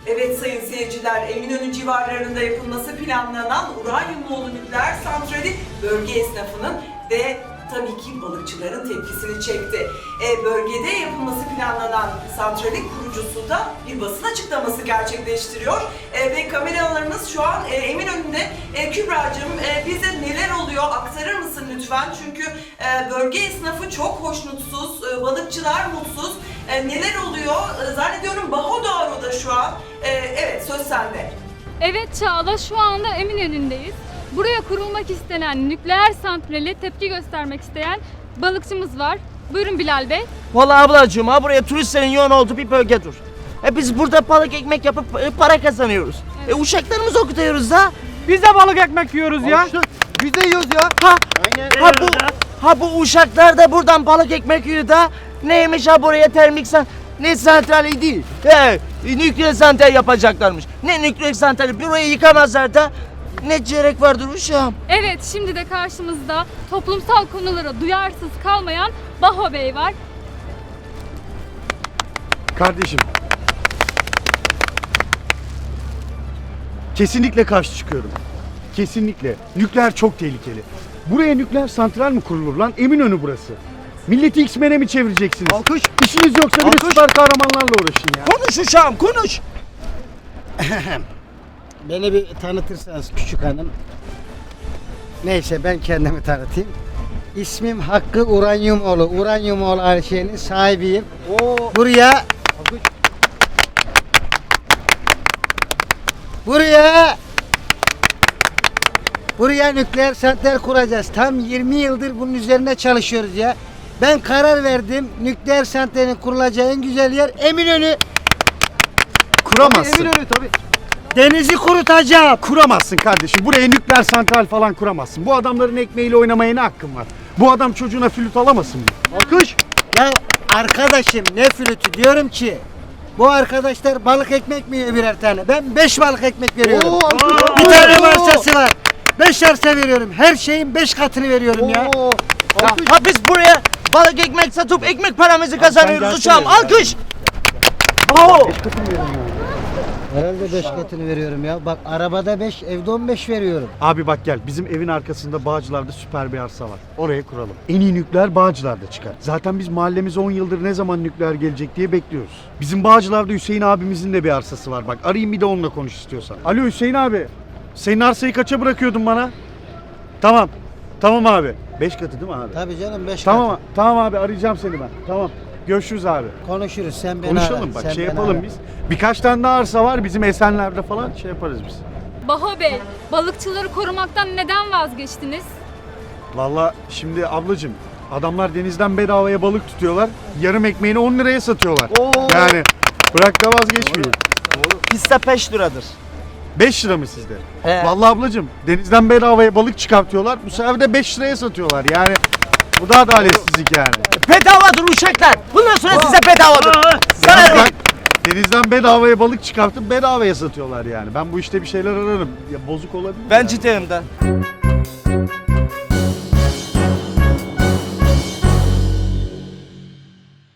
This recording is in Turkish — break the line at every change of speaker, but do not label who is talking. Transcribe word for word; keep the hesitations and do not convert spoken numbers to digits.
Evet sayın seyirciler, Eminönü civarlarında yapılması planlanan uranyumlu nükleer santrali bölge esnafının ve tabii ki balıkçıların tepkisini çekti. E, bölgede yapılması planlanan santralin kurucusu da bir basın açıklaması gerçekleştiriyor. E, ve kameralarımız şu an e, Eminönü'nde. E, Kübra'cığım e, bize neler oluyor aktarır mısın lütfen? Çünkü e, bölge esnafı çok hoşnutsuz, e, balıkçılar mutsuz. E, neler oluyor? E, zannediyorum Bahodaro'da şu an. E, evet söz sende.
Evet Çağla, şu anda Eminönü'ndeyiz. Buraya kurulmak istenen nükleer santrale tepki göstermek isteyen balıkçımız var. Buyurun Bilal Bey.
Vallahi ablacığım ha buraya turistlerin yoğun olduğu bir bölgedir. E biz burada balık ekmek yapıp e, para kazanıyoruz.
Evet.
E uşaklarımızı okutuyoruz da.
Biz de balık ekmek yiyoruz ya.
Biz de yiyoruz ya.
Ha, ha bu ha bu uşaklar da buradan balık ekmek yiyor da. Neymiş ha buraya termik san ne santrali değil. He, nükleer santral yapacaklarmış. Ne nükleer santrali burayı yıkamazlar da. Ne gerek vardır uşağım?
Evet, şimdi de karşımızda toplumsal konulara duyarsız kalmayan Baho Bey var.
Kardeşim. Kesinlikle karşı çıkıyorum. Kesinlikle. Nükleer çok tehlikeli. Buraya nükleer santral mi kurulur lan? Eminönü burası. Milleti X-Men'e mi çevireceksiniz?
Alkış.
İşiniz yoksa bir de
Alkış.
süper kahramanlarla uğraşın ya.
Konuş uşağım konuş.
Beni bir tanıtırsanız küçük hanım. Neyse ben kendimi tanıtayım. İsmim Hakkı Uranyumoğlu. Uranyumoğlu Ayşe'nin sahibiyim.
Oo.
Buraya Buraya Buraya nükleer santral kuracağız. Tam yirmi yıldır bunun üzerine çalışıyoruz ya. Ben karar verdim. Nükleer santralin kurulacağı en güzel yer Eminönü.
Kuramazsın.
Eminönü tabii. Denizi kurutacağım.
Kuramazsın kardeşim. Buraya nükleer santral falan kuramazsın. Bu adamların ekmeğiyle oynamaya ne hakkın var? Bu adam çocuğuna flüt alamasın mı? Alkış.
Ya arkadaşım ne flütü diyorum ki bu arkadaşlar balık ekmek mi yiyor birer tane? Ben beş balık ekmek veriyorum.
Oo, alkış.
Bir tane arsası var. Beş arsa veriyorum. Her şeyin beş katını veriyorum ya.
Oo.
Ya,
Alkış.
ha biz buraya balık ekmek satıp ekmek paramızı kazanıyoruz
gelsene
uşağım.
ya.
Alkış. Bravo.
Herhalde beş katını veriyorum ya. Bak arabada beş, evde on beş veriyorum.
Abi bak gel, bizim evin arkasında Bağcılar'da süper bir arsa var. Oraya kuralım. En iyi nükleer Bağcılar'da çıkar. Zaten biz mahallemize on yıldır ne zaman nükleer gelecek diye bekliyoruz. Bizim Bağcılar'da Hüseyin abimizin de bir arsası var bak. Arayayım bir de onunla konuş istiyorsan. Alo Hüseyin abi. Senin arsayı kaça bırakıyordun bana? Tamam. Tamam abi. Beş katı değil mi abi?
Tabii canım beş
Tamam,
katı.
tamam abi arayacağım seni ben. Tamam. Görüşürüz abi.
Konuşuruz sen beni
Konuşalım
ara.
bak
sen
şey
beni
yapalım
ara.
biz. Birkaç tane daha arsa var bizim Esenler'de falan şey yaparız biz.
Baho Bey, balıkçıları korumaktan neden vazgeçtiniz?
Vallahi şimdi ablacığım adamlar denizden bedavaya balık tutuyorlar. Yarım ekmeğini on liraya satıyorlar. Yani bırak da vazgeçmeyin.
Bizde beş liradır.
beş lira mı sizde?
He.
Vallahi ablacığım denizden bedavaya balık çıkartıyorlar. Bu sefer de beş liraya satıyorlar. Yani bu da adaletsizlik yani.
Bedavadır uşaklar. Bundan sonra size bedavadır. Sana
Yani
ne?
bak, denizden bedavaya balık çıkartıp bedavaya satıyorlar yani. Ben bu işte bir şeyler ararım. Ya bozuk olabilir.
Ben
yani.
ciddiyim de.